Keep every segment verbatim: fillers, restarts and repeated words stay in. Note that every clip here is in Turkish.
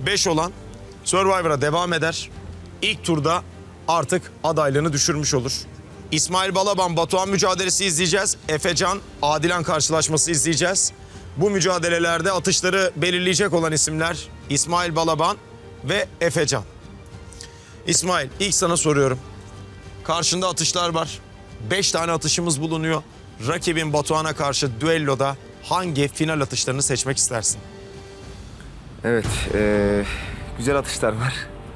beş olan Survivor'a devam eder. İlk turda artık adaylığını düşürmüş olur. İsmail Balaban, Batuhan mücadelesi izleyeceğiz. Efecan, Adilan karşılaşması izleyeceğiz. Bu mücadelelerde atışları belirleyecek olan isimler İsmail Balaban ve Efecan. İsmail, ilk sana soruyorum. Karşında atışlar var. Beş tane atışımız bulunuyor. Rakibin Batuhan'a karşı düelloda hangi final atışlarını seçmek istersin? Evet, ee, güzel atışlar var.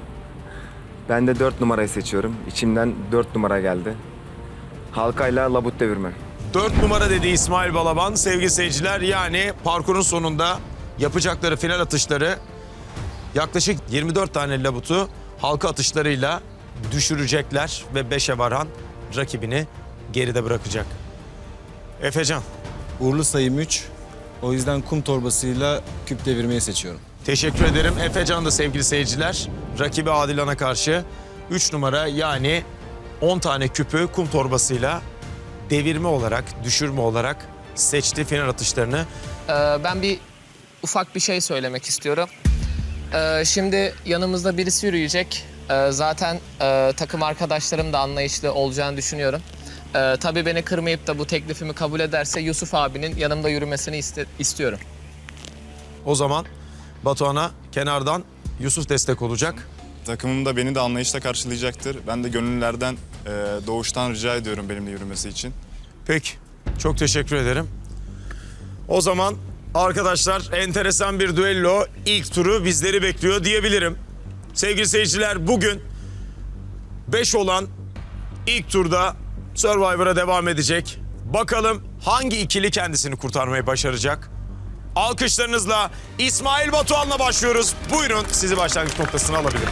Ben de dört numarayı seçiyorum. İçimden dört numara geldi. Halkayla labut devirme. Dört numara dedi İsmail Balaban. Sevgili seyirciler, yani parkurun sonunda yapacakları final atışları yaklaşık yirmi dört tane labutu halka atışlarıyla düşürecekler ve beşe varan rakibini geride bırakacak. Efecan. Uğurlu sayım üç. O yüzden kum torbasıyla küp devirmeyi seçiyorum. Teşekkür ederim. Efecan da sevgili seyirciler rakibi Adilan'a karşı üç numara, yani on tane küpü kum torbasıyla devirme olarak, düşürme olarak seçti final atışlarını. Ee, ben bir ufak bir şey söylemek istiyorum. Ee, şimdi yanımızda birisi yürüyecek. Ee, zaten e, takım arkadaşlarım da anlayışlı olacağını düşünüyorum. Ee, tabii beni kırmayıp da bu teklifimi kabul ederse Yusuf abinin yanımda yürümesini iste istiyorum. O zaman Batuhan'a kenardan Yusuf destek olacak. Takımım da beni de anlayışla karşılayacaktır. Ben de gönüllülerden e, doğuştan rica ediyorum benimle yürümesi için. Peki, çok teşekkür ederim. O zaman arkadaşlar, enteresan bir düello ilk turu bizleri bekliyor diyebilirim. Sevgili seyirciler, bugün beş olan ilk turda Survivor'a devam edecek. Bakalım hangi ikili kendisini kurtarmayı başaracak? Alkışlarınızla İsmail Batuhan'la başlıyoruz. Buyurun, sizi başlangıç noktasına alabilirim.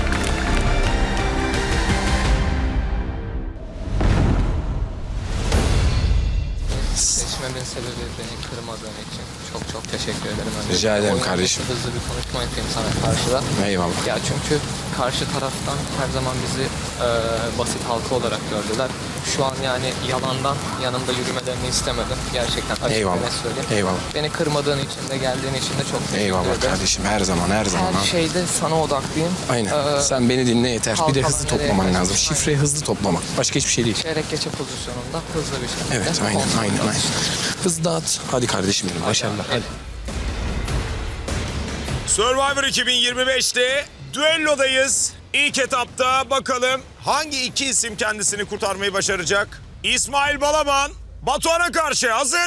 Seçmemin sebebi beni kırmadığın için çok çok teşekkür ederim. Önce Rica ederim oyun kardeşim. Hızlı bir konuşma yapayım sana karşıda. Eyvallah. Ya çünkü karşı taraftan her zaman bizi e, basit halka olarak gördüler. Şu an yani yalandan yanımda yürümelerini istemedim. Gerçekten açık Eyvallah. ve net söyleyeyim. Eyvallah. Beni kırmadığın için de geldiğin için de çok teşekkür Eyvallah ederim. kardeşim, her zaman her zaman. Her ha. şeyde sana odaklıyım. Aynen. Ee, Sen beni dinle yeter. Bir de halka hızlı nereye toplaman kaçtın? lazım. Şifreyi hızlı toplamak. Başka hiçbir şey değil. Çeyrek geçe pozisyonunda hızlı bir şekilde. Evet, aynen, kontrol aynen, aynen. çalıştım. Hızlı at. Hadi kardeşim benim. Başarılar. Hadi. Survivor iki bin yirmi beş'te düellodayız. İlk etapta bakalım hangi iki isim kendisini kurtarmayı başaracak? İsmail Balaban, Batuhan'a karşı hazır.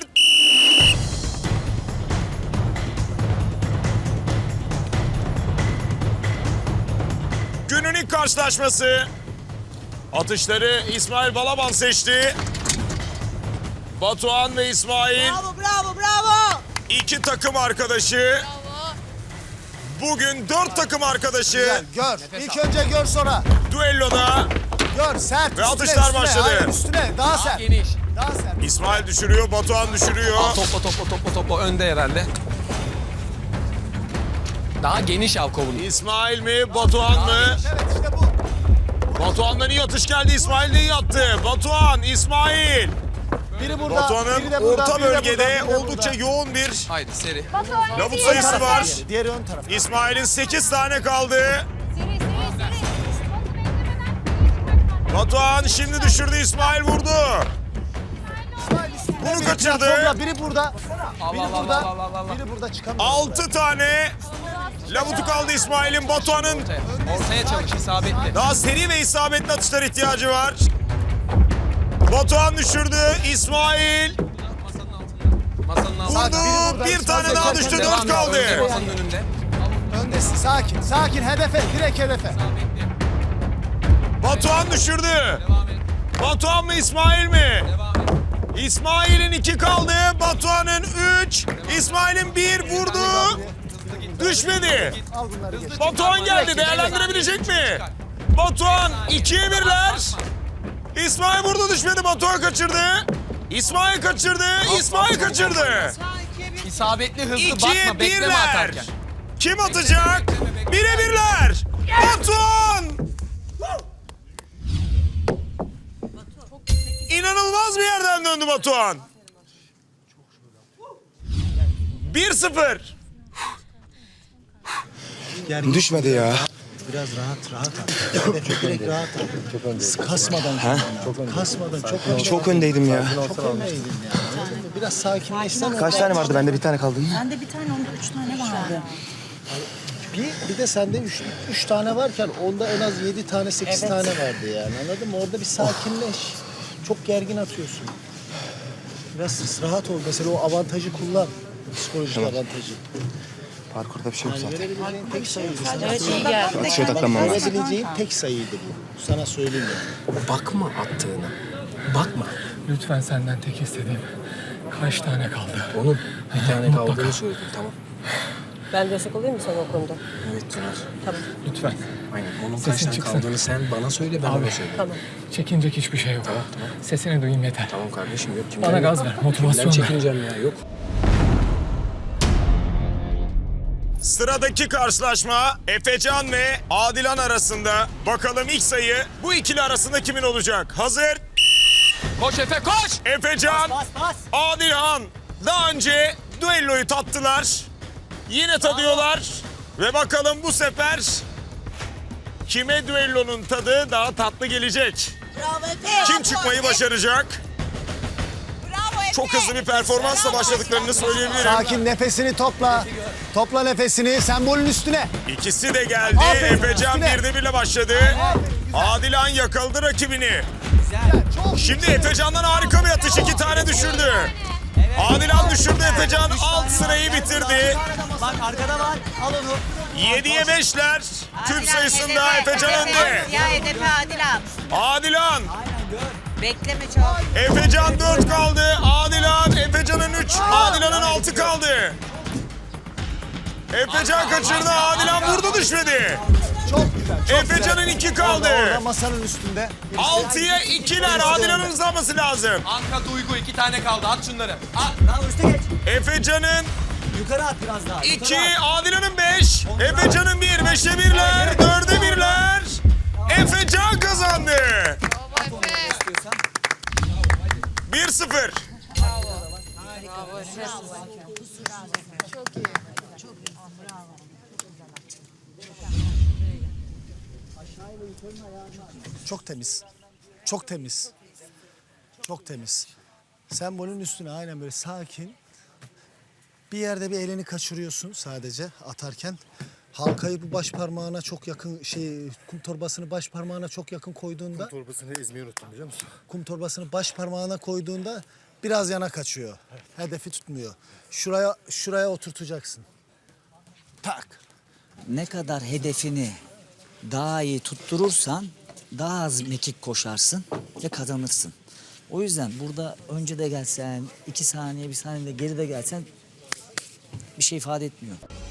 Günün ilk karşılaşması. Atışları İsmail Balaban seçti. Batuhan ve İsmail. Bravo, bravo, bravo. İki takım arkadaşı. Bugün dört takım arkadaşı Gel, gör. İlk önce gör sonra. düelloda. Gör, sert. Ve üstüne, atışlar üstüne. başladı. Hayır, üstüne, daha sert. Geniş. Daha sert. İsmail düşürüyor, Batuhan düşürüyor. Topla topla topla topla önde herhalde. Daha geniş al kovunu. İsmail mi, Batuhan mı? Evet, işte bu. Batuhan'dan iyi atış geldi, İsmail de iyi attı. Batuhan, İsmail. Biri burada, Batuhan'ın biri de burada, orta biri de bölgede burada, biri de oldukça burada. yoğun bir Haydi seri. lavuk sayısı var. Diğeri, diğeri ön taraf. İsmail'in sekiz tane kaldı. Seri seri seri. Batuhan şimdi düşürdü, İsmail vurdu. İsmail üstünde, Bunu biri kaçırdı. platformda, Biri burada, biri Allah, burada, Allah, Allah, Allah. biri burada çıkamıyor. Altı tane lavutu kaldı İsmail'in. Batuhan'ın Ortaya çalış isabetli. daha seri ve isabetli atışlar ihtiyacı var. Batuhan düşürdü, İsmail Masanın altında. vurdu. biri burada, Bir tane İsmail daha geçerken düştü, Devam dört et, kaldı. önde, masanın önünde. Öndesin, sakin, sakin. Hedefe, direkt hedefe. Batuhan düşürdü. Devam et. Batuhan mı, İsmail mi? Devam et. İsmail'in iki kaldı, Batuhan'ın üç. İsmail'in bir vurdu. Düşmedi. Al bunları geç. Batuhan geldi, değerlendirebilecek mi? Batuhan ikiye birler. İsmail vurdu, düşmedi. Batuhan kaçırdı. İsmail kaçırdı, İsmail kaçırdı. İsabetli hızlı İkiye bakma bekleme birler. atarken. Kim atacak? Bire birler. Batuhan! İnanılmaz bir yerden döndü Batuhan. bir sıfır. gergin. Düşmedi ya. Biraz rahat rahat at. Hedefe direkt rahat at. Çok öndeydin. Kasmadan. Ha? Çok Kasmadan çok öndeydin. Çok öndeydim ya. Çok öndeydin yani. Anladın mı? Biraz sakinleşsene. Kaç tane vardı? Bende bir tane kaldı. Bende bir tane, onda üç tane vardı. Bir, bir de sende üç, üç tane varken onda en az yedi tane, sekiz Evet. tane vardı yani. Anladın mı? Orada bir sakinleş. Çok gergin atıyorsun. Biraz rahat ol. Mesela o avantajı kullan. Psikolojik avantajı. Parkurda bir şey yok Yani zaten. verebileceğin tek sayıydı. Sana Evet, iyi söyleyeyim. geldi. Atışa odaklanmam lazım. Verebileceğin tek sayıydı bu. Sana söyleyeyim yani. Bakma attığına. Bakma. Lütfen senden tek istediğim kaç tane kaldı? Onun bir tane kaldığını söyledim, tamam. Ben destek olayım mı sana o konuda? Evet Tuna. Tamam. Lütfen. Aynen. Onun kaç Sesin tane çıksın. kaldığını sen bana söyle, ben Abi. ona söyleyeyim. Tamam. Çekinecek hiçbir şey yok. Tamam, tamam. Sesini duyayım yeter. Tamam kardeşim, yok. Kimden Bana yok? gaz ver, motivasyon Kimden ver. çekineceğim ya, yok. Sıradaki karşılaşma Efecan ve Adilan arasında. Bakalım ilk sayı bu ikili arasında kimin olacak? Hazır. Koş Efe koş! Efecan, Adilan daha önce düelloyu tattılar. Yine tadıyorlar. Ve bakalım bu sefer kime düellonun tadı daha tatlı gelecek? Bravo Efe. Kim çıkmayı başaracak? Bravo Efe. Çok hızlı bir performansla başladıklarını söyleyebilirim. Sakin, nefesini topla. Topla nefesini, sembolün üstüne. İkisi de geldi. Aferin, Efecan üstüne. birde birle başladı. Adilan yakaladı rakibini. Şimdi Efecan'dan harika bir atış. iki tane düşürdü. Adilan düşürdü. Efecan alt sırayı bitirdi. Bak arkada var, al onu. yediye beşler. Küp sayısında Efecan önde. Ya hedefe Adilan. Adilan. Bekleme çok. Efecan dört kaldı. Adilan. Efecan'ın üç. Adilan'ın altı kaldı. Efecan kaçırdı. Adilan vurdu düşmedi. Çok güzel, çok Efecan'ın iki kaldı. Orada, orada masanın üstünde. altıya ikiler. Adilan'ın hızlanması lazım. Anka Duygu iki tane kaldı, at şunları. At. Efecan'ın Yukarı at biraz daha. iki, Adilan'ın beş. Efecan'ın bir, beşe birler, dörde birler. Efecan kazandı. bir sıfır. Çok temiz. Çok temiz. Çok temiz. Sembolün üstüne aynen böyle sakin. Bir yerde bir elini kaçırıyorsun sadece atarken. Halkayı bu baş parmağına çok yakın şey kum torbasını baş parmağına çok yakın koyduğunda kum torbasını ezmeyi unuttum biliyor musun? Kum torbasını baş parmağına koyduğunda biraz yana kaçıyor. Hedefi tutmuyor. Şuraya şuraya oturtacaksın. Tak. Ne kadar hedefini daha iyi tutturursan daha az mekik koşarsın ve kazanırsın. O yüzden burada önce de gelsen, iki saniye, bir saniye de geride gelsen bir şey ifade etmiyor.